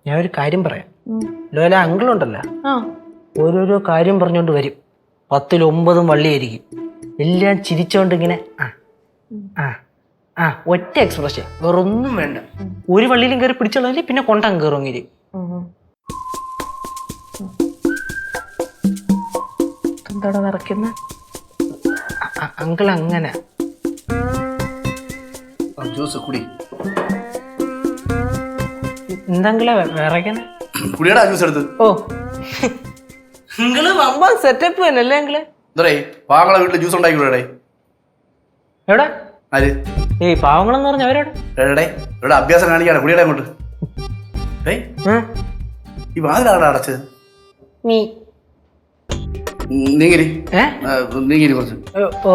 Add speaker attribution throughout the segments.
Speaker 1: ഞാൻ ഒരു കാര്യം പറയാം. ലോല അങ്കിളുണ്ടല്ലോ, ഓരോരോ കാര്യം പറഞ്ഞോണ്ട് വരും. 10ൽ 9 വള്ളിയായിരിക്കും. എല്ലാം ചിരിച്ചോണ്ട് ഇങ്ങനെ ഒറ്റ എക്സ്പ്രഷൻ, വേറൊന്നും വേണ്ട. ഒരു വള്ളിയിലും കയറി പിടിച്ചോളാം, പിന്നെ കൊണ്ടങ്ങ് കയറുമെങ്കിൽ. എന്താടാ നിറയ്ക്കുന്ന അങ്കിൾ? അങ്ങനെ
Speaker 2: ജ്യൂസ് കുടി.
Speaker 1: എന്താങ്കിളെ വിറയ്ക്കണ?
Speaker 2: കുടിയടാ ജ്യൂസ് എടുത്ത്.
Speaker 1: ഓ, നിങ്ങള് വമ്പ സെറ്റപ്പ് തന്നെ അല്ലേ നിങ്ങള്?
Speaker 2: പാവങ്ങളെ വീട്ടില് ജ്യൂസ് ഉണ്ടാക്കിക്കൂടെ?
Speaker 1: എവിടെ?
Speaker 2: ആര്?
Speaker 1: ഈ പാവങ്ങളെന്ന് പറഞ്ഞ അവരോടെ
Speaker 2: ഇവിടെ അഭ്യാസം കാണിക്കാണ്. കുടിയടാ അങ്ങോട്ട്. ഈ വാതിലാണ് അടച്ചത്. നീങ്ങിരി നീങ്ങിരി കുറച്ച്.
Speaker 1: ഓ,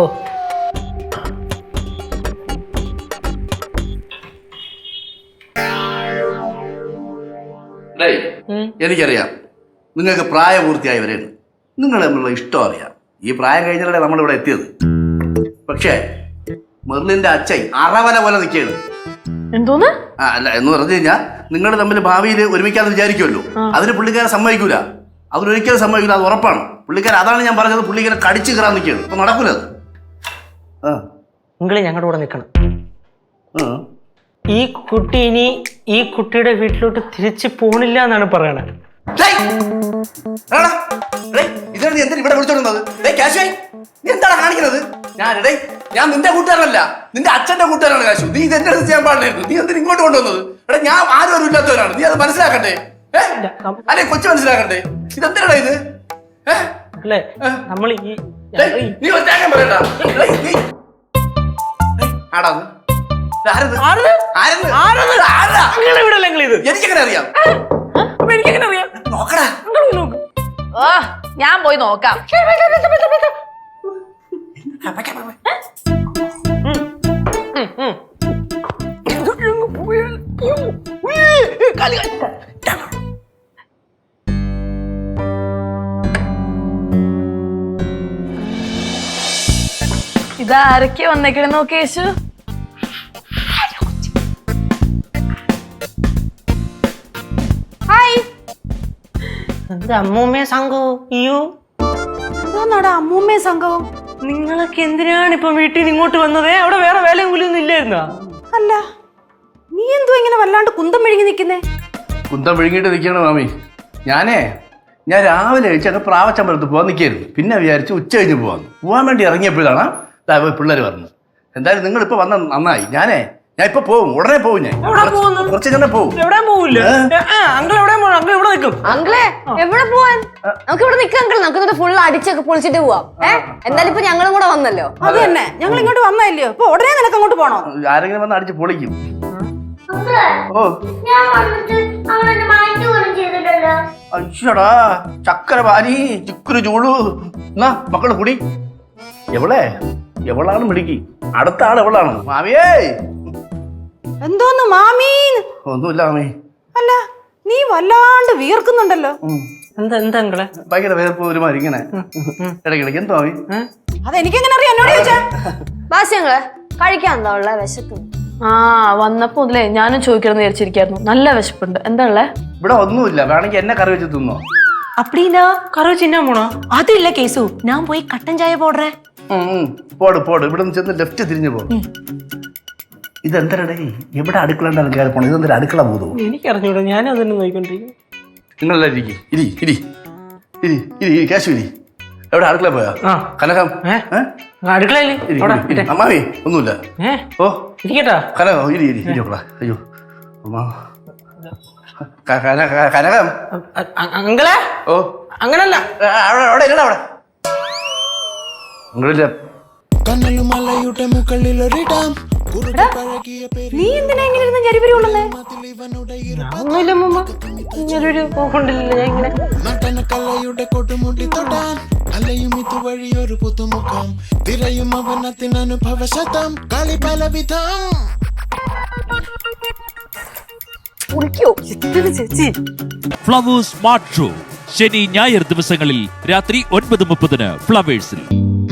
Speaker 2: എനിക്കറിയാം നിങ്ങൾക്ക് പ്രായപൂർത്തിയായവരെയാണ്. നിങ്ങൾ തമ്മിലുള്ള ഇഷ്ടം അറിയാം. ഈ പ്രായം കഴിഞ്ഞാലേ നമ്മളിവിടെ എത്തിയത്. പക്ഷേ മെർലിന്റെ അച്ഛൻ അറവല പോലെ നിൽക്കുകയാണ്.
Speaker 3: എന്തോന്ന്?
Speaker 2: അല്ല, എന്ന് പറഞ്ഞു കഴിഞ്ഞാൽ നിങ്ങൾ തമ്മിൽ ഭാവിയിൽ ഒരുമിക്കാന്ന് വിചാരിക്കുമല്ലോ. അതിന് പുള്ളിക്കാരെ സമ്മതിക്കൂല. അതിനൊരിക്കലും സമ്മതിക്കില്ല, അത് ഉറപ്പാണ്. പുള്ളിക്കാരൻ അതാണ് ഞാൻ പറഞ്ഞത്, പുള്ളിക്കാരെ കടിച്ചു കയറാൻ നിൽക്കുകയാണ്. അപ്പൊ നടക്കൂല അത്.
Speaker 1: നിങ്ങൾ ഞങ്ങളുടെ കൂടെ നിൽക്കണം. ഈ കുട്ടി ഇനി ഈ കുട്ടിയുടെ വീട്ടിലോട്ട് തിരിച്ചു പോണില്ല എന്നാണ് പറയണത്.
Speaker 2: ഇതാണ് നീ എന്തിനാ ഇവിടെ വിളിച്ചോണ്ടുന്നത്? എന്താണ് കാണിക്കുന്നത്? ഞാൻ നിന്റെ കൂട്ടുകാരനല്ല, നിന്റെ അച്ഛന്റെ കൂട്ടുകാരാണ് കാശു. നീ ഇത് എന്റെ അടുത്ത് ചെയ്യാൻ പാടില്ലായിരുന്നു. നീ എന്തിനാ ഇങ്ങോട്ട് കൊണ്ടുവന്നത്? ഞാൻ ആരും ഇല്ലാത്തവരാണ്. നീ അത് മനസ്സിലാക്കണ്ടേ? അല്ലെ കൊച്ചു മനസ്സിലാക്കണ്ടേ? ഇതെന്തിനാ ഇത്?
Speaker 1: അല്ലേ നമ്മൾ
Speaker 2: നീ പറയണ്ട. എനിക്കെങ്ങനെ അറിയാം? നോക്കടാ.
Speaker 3: ഞാൻ പോയി നോക്കാം. ഇതാരൊക്കെ വന്നേക്കണേ നോക്കി യേശു.
Speaker 1: അമ്മൂമ്മയെ സംഘവും
Speaker 3: അമ്മൂമ്മയെ സംഘവും.
Speaker 1: നിങ്ങളൊക്കെ എന്തിനാണ് ഇപ്പൊ വീട്ടിൽ നിന്ന് ഇങ്ങോട്ട് വന്നത്? അവിടെ വേറെ വേലയും കൂലിയൊന്നും ഇല്ലായിരുന്നോ?
Speaker 3: അല്ല, നീ എന്തോ ഇങ്ങനെ വല്ലാണ്ട് കുന്തം വിഴുങ്ങി നിൽക്കുന്നേ?
Speaker 2: കുന്തം വിഴുങ്ങിട്ട് നിൽക്കണം മാമി. ഞാൻ രാവിലെ കഴിച്ചൊക്കെ പ്രാവച്ചമ്പലത്ത് പോകാൻ നിൽക്കായിരുന്നു. പിന്നെ വിചാരിച്ചു ഉച്ച കഴിഞ്ഞ് പോകാൻ വേണ്ടി ഇറങ്ങിയപ്പോഴാണ് പിള്ളേർ പറഞ്ഞത്. എന്തായാലും നിങ്ങൾ ഇപ്പൊ വന്ന നന്നായി. ഞാൻ ഇപ്പൊ പോകും, ഉടനെ പോകും. ഞാൻ കുറച്ച് തന്നെ പോകും.
Speaker 4: അങ്കിളെ എവിടെ പോവാൻ? നമുക്ക് ഇവിടെ നിൽക്കാം അങ്കിൾ. നമുക്ക് ഫുൾ അടിച്ചൊക്കെ പൊളിച്ചിട്ട് പോവാം. എന്തായാലും ഇപ്പൊ ഞങ്ങളും കൂടെ വന്നല്ലോ.
Speaker 3: അത് തന്നെ, ഞങ്ങൾ ഇങ്ങോട്ട് വന്നല്ലോ. ഇപ്പൊ ഉടനെ നിനക്ക് അങ്ങോട്ട് പോണോ?
Speaker 2: ആരെങ്കിലും വന്ന് അടിച്ച് പൊളിക്കും. അയ്യടാ, ചക്കര പാനി ചിക്കുരു ചൂളു. എന്നാ മക്കള് കുടി. എവളാണ് മിടുക്കി. അടുത്ത ആൾ എവളാണ്. മാമിയേ.
Speaker 3: എന്തോന്ന് മാമീ?
Speaker 2: ഒന്നുമില്ല മാമി.
Speaker 3: അല്ല, നീ വല്ലാണ്ട് വീർക്കുന്നുണ്ടല്ലോ.
Speaker 1: എന്താ
Speaker 2: ഭയങ്കര വേർപ്പ് ഒരുമാതിരി ഇങ്ങനെ ഇടയ്ക്കിടയ്ക്ക്. എന്തോ മാമി?
Speaker 3: അതെനിക്കെങ്ങനെ അറിയാം? എന്നോട് ചോദിച്ചാ.
Speaker 4: ബാസ്യങ്ങള് കഴിക്കാൻ എന്താ ഉള്ള വിശക്കുന്നു?
Speaker 3: വന്നപ്പോ മുതലേ ഞാനും ചോദിക്കണമെന്ന് വിചാരിച്ചിരിക്കായിരുന്നു. നല്ല വിശപ്പുണ്ട്. എന്താ ഉള്ളേ?
Speaker 2: ഇവിടെ ഒന്നുമില്ല. വേണമെങ്കിൽ എന്നെ കറി വെച്ച് തിന്നോ.
Speaker 1: அப்படின்னா கறவை சின்ன போனோ?
Speaker 3: அது இல்ல கேசு, நான் போய் கட்டன் சாய போடுறேன்.
Speaker 2: പോട് ഇവിടെ നിന്ന് ചെന്ന് ലെഫ്റ്റ് തിരിഞ്ഞു പോകും. ഇതെന്തരടേ, എവിടെ അടുക്കള ഉണ്ടാകും കയറി പോണം? ഇതെന്തൊരു അടുക്കള പോകും?
Speaker 1: എനിക്കറിഞ്ഞൂടാ, ഞാനും അതന്നെ നോക്കിക്കൊണ്ടിരിക്കും.
Speaker 2: നിങ്ങളെല്ലാം ഇരി കാശു ഇരി. എവിടെ അടുക്കള പോയാ? കനകം
Speaker 1: അടുക്കളയില്
Speaker 2: അമ്മാവി ഒന്നുമില്ല. ഓ
Speaker 1: ഇരിക്കട്ടാ.
Speaker 2: കനകം ഇരി. അയ്യോ കനകം.
Speaker 1: അങ്ങളെ.
Speaker 2: ഓ
Speaker 1: അങ്ങനല്ല,
Speaker 2: അവിടെ നിങ്ങളില്ല.
Speaker 3: നീ എന്തിനാ ഇങ്ങനെ ഇരുന്ന് ജരിപരി കൊള്ളുന്നേ?
Speaker 1: ഒന്നുമില്ല മുമ്പ് ഇങ്ങനൊരു പോക്കൊണ്ടില്ല. ഞാൻ ഇങ്ങനെ
Speaker 5: നടനക്കലയുടെ കൊടുമുടി തൊടാൻ അലയും ഇതുവഴിയൊരു പുതുമുഖം തിരയും അവനത്തിനനുഭവശതം കളി പലവിധം.
Speaker 6: ഫ്ലവേഴ്സ് സ്മാർട്ട് ഷോ ശനി ഞായർ ദിവസങ്ങളിൽ രാത്രി 9:30 ഫ്ലവേഴ്സിൽ.